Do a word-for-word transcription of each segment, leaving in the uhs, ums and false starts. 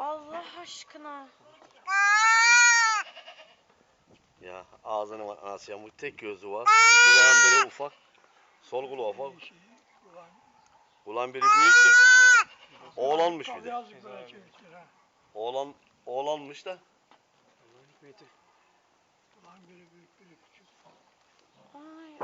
Allah aşkına. Ya ağzını var anasıyan bu tek gözü var. Kulağın böyle ufak. Sol kulağı ufak. Kulağın biri büyük de. Oğlanmış bir de. Oğlan, oğlanmış da. Ay ay.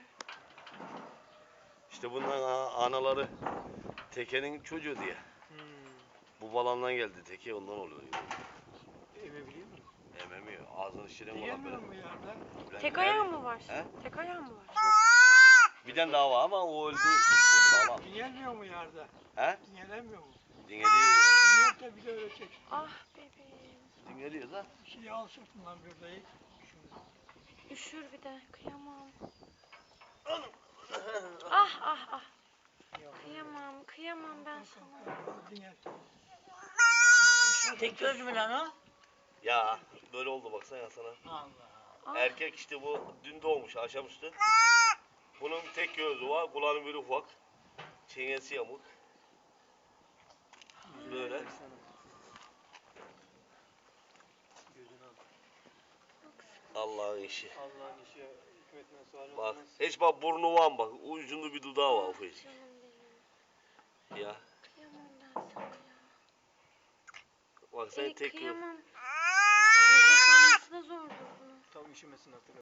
İşte bunların a- anaları Teke'nin çocuğu diye. Hmm. Bu balandan geldi Teke ondan oluyor. Emebiliyor mu? Ememiyor. Ağzını şirin olan Diyemiyor böyle. mu yerde? Tek ayağı mı var? He? Tek ayağı mı var? Bir tane daha var ama o öyle değil. O sağlam. Diyemiyor mu yerde? He? Diyelemiyor mu? Dingeliyor ya. Diyet de bir de öyle çek. Ah bebeğim. Dingeliyor da. Şeyi al sırtından bir de. Şunu. Üşür bir de. Kıyamam. Ah ah ah. Kıyamam. Kıyamam ben sana. Diyet. Tek göz mü lan o? Ya böyle oldu baksana ya sana. Allah. Ah. Erkek işte bu dün doğmuş akşamüstü. Bunun tek gözü var. Kulağının biri ufak. Çenesi yamuk. Böyle. Gözünü al. Allah'ın işi. Allah'ın işi hikmetine sual Bak olmaz. hiç bak burnu var mı bak. Ucunda bir dudağı var ufacık. Canım benim. Ya. Kıyamam ben sana ya. Bak sen Ey, tek göz. kıyamam. Nefes alması da zordur bunun. Tam üşümesin artık.